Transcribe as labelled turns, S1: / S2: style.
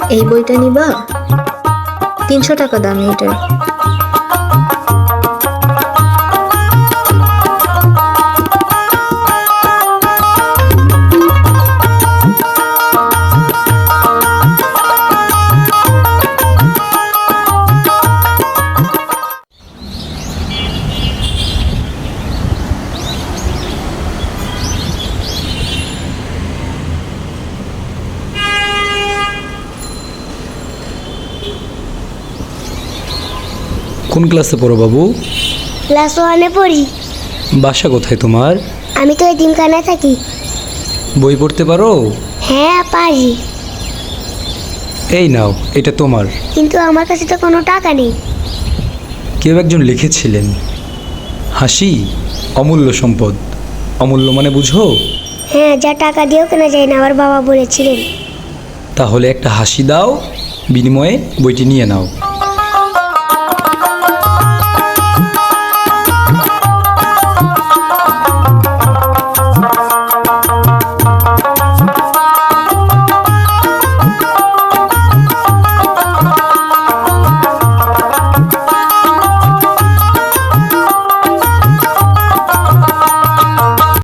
S1: এই বইটা নিবা? 300 টাকা দাম এটার।
S2: কোন ক্লাসে পড়ো বাবু?
S3: ক্লাস 1-এ পড়ি।
S2: বাসা কোথায় তোমার?
S3: আমি তো এতিমখানায় থাকি।
S2: বই পড়তে পারো?
S3: হ্যাঁ পারি,
S2: এই নাও, এটা তোমার।
S3: কিন্তু আমার কাছে তো কোনো টাকা নেই।
S2: কেউ একজন লিখেছিলেন, হাসি অমূল্য সম্পদ। অমূল্য মানে বুঝো?
S3: হ্যাঁ, যা টাকা দিয়েও কেনা যায় না, আমার বাবা বলেছিলেন।
S2: তাহলে একটা হাসি দাও, বিনিময়ে বইটি নিয়ে নাও।